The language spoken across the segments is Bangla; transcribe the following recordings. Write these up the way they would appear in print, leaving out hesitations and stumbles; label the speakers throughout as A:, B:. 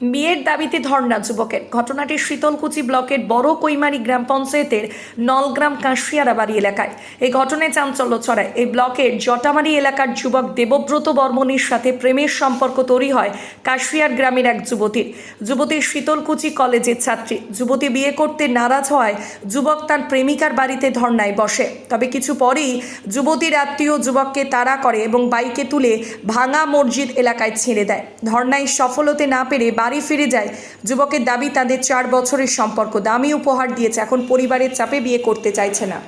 A: বিয়ের দাবিতে ধর্ণা যুবকের। ঘটনাটি শীতলকুচি ব্লকের বড় কৈমারি গ্রাম পঞ্চায়েতের নলগ্রাম কাশিয়ারাবাড়ি এলাকায়। এই ঘটনায় চাঞ্চল্য ছড়ায়। এই ব্লকের জটামারি এলাকার যুবক দেবব্রত বর্মণের সাথে প্রেমের সম্পর্ক তৈরি হয় কাশিয়ার গ্রামের এক যুবতীর শীতলকুচি কলেজের ছাত্রী। যুবতী বিয়ে করতে নারাজ হওয়ায় যুবক তার প্রেমিকার বাড়িতে ধর্ণায় বসে। তবে কিছু পরেই যুবতীর আত্মীয় যুবককে তাড়া করে এবং বাইকে তুলে ভাঙা মসজিদ এলাকায় ছেড়ে দেয়। ধর্ণায় সফল হতে না পেরে বাড়ি ফিরে যায়। যুবকের দাবি, তাদের 4 বছরের সম্পর্ক, দামি উপহার দিয়েছে, এখন পরিবারের চাপে বিয়ে করতে চাইছে না।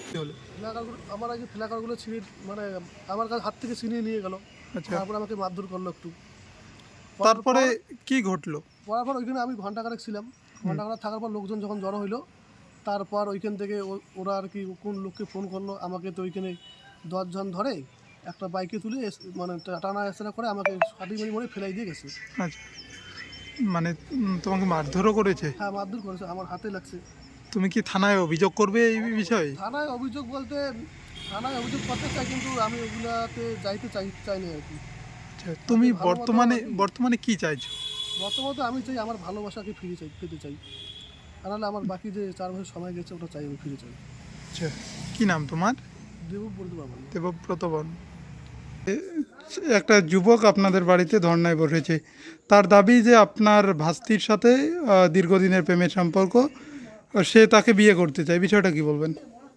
B: আমার আগে ফ্ল্যাকারগুলো ছিঁড়ে মানে আমার কাছে হাত থেকে ছিনিয়ে নিয়ে গেল। তারপর আমাকে মারধর করলো একটু।
C: তারপরে কি ঘটলো?
B: পর ওইখানে আমি ঘন্টাখানেক ছিলাম। ঘন্টাখানেক থাকার পর লোকজন যখন জড়ো হইলো, তারপর ওইখান থেকে ওরা আর কি কোন লোককে ফোন করলো, আমাকে তো ওইখানে 10 জন ধরে একটা বাইকে তুলে মানে টানা এসরা করে আমাকে সাটি মরে ফেলাই দিয়ে গেছে।
C: আচ্ছা, মানে তোমাকে মারধরও করেছে?
B: হ্যাঁ, মারধর করেছে, আমার হাতে লাগছে।
C: তুমি কি থানায় অভিযোগ করবে এই বিষয়ে?
B: থানায় অভিযোগ বলতে থানায় অভিযোগ করতে চাই, কিন্তু আমি ওগুলাতে যাইতে চাইনি আর কি।
C: আচ্ছা, তুমি বর্তমানে কি চাইছো?
B: বর্তমানে আমি চাই আমার ভালোবাসাকে পেতে চাই। নাহলে আমার বাকি যে 4 বছর সময় গেছে ওটা চাই, আমি ফিরে চাই।
C: আচ্ছা, কি নাম তোমার?
B: দেবব্রত বর্মণ।
C: দেবব্রত বর্মণ। একটা যুবক আপনাদের বাড়িতে ধর্নায় বসেছে। তার দাবি যে আপনার ভাস্তির সাথে দীর্ঘদিনের প্রেমের সম্পর্ক, সে তাকে বিয়ে করতে চায়। বিষয়টা কি বলবেন?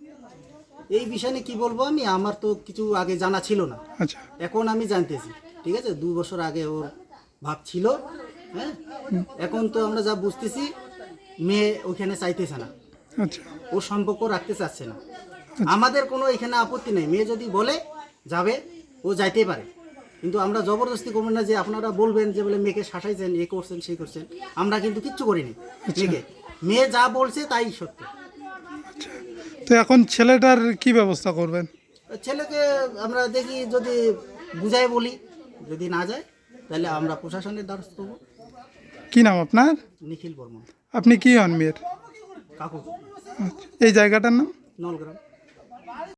D: এই বিষয়ে কি বলবো আমি, আমার তো কিছু আগে জানা ছিল না।
C: আচ্ছা,
D: এখন আমি জানতেছি। ঠিক আছে, 2 বছর আগে ওর ভাব ছিল। হ্যাঁ, এখন তো আমরা যা বুঝতেছি মেয়ে ওইখানে চাইতেছে না।
C: আচ্ছা,
D: ও সম্পর্ক রাখতে চাচ্ছে না। আমাদের কোনো এখানে আপত্তি নেই, মেয়ে যদি বলে যাবে ও যাইতেই পারে, কিন্তু আমরা জবরদস্তি করবো না যে আপনারা বলবেন যে বলে মেয়েকে শাসাইছেন, এ করছেন সেই করছেন। আমরা কিন্তু কিচ্ছু করিনি মেয়েকে। মেয়ে যা বলছে তাই সত্য।
C: তো এখন ছেলেটার কি ব্যবস্থা করবেন?
D: ছেলেকে আমরা দেখি যদি বুঝাই বলি, যদি না যায় তাহলে আমরা প্রশাসনের দ্বারস্থ হবো।
C: কি নাম আপনার?
D: নিখিল বর্মন।
C: আপনি কি হন মেয়ের?
D: কাকু।
C: এই জায়গাটার নাম?
D: নলগ্রাম।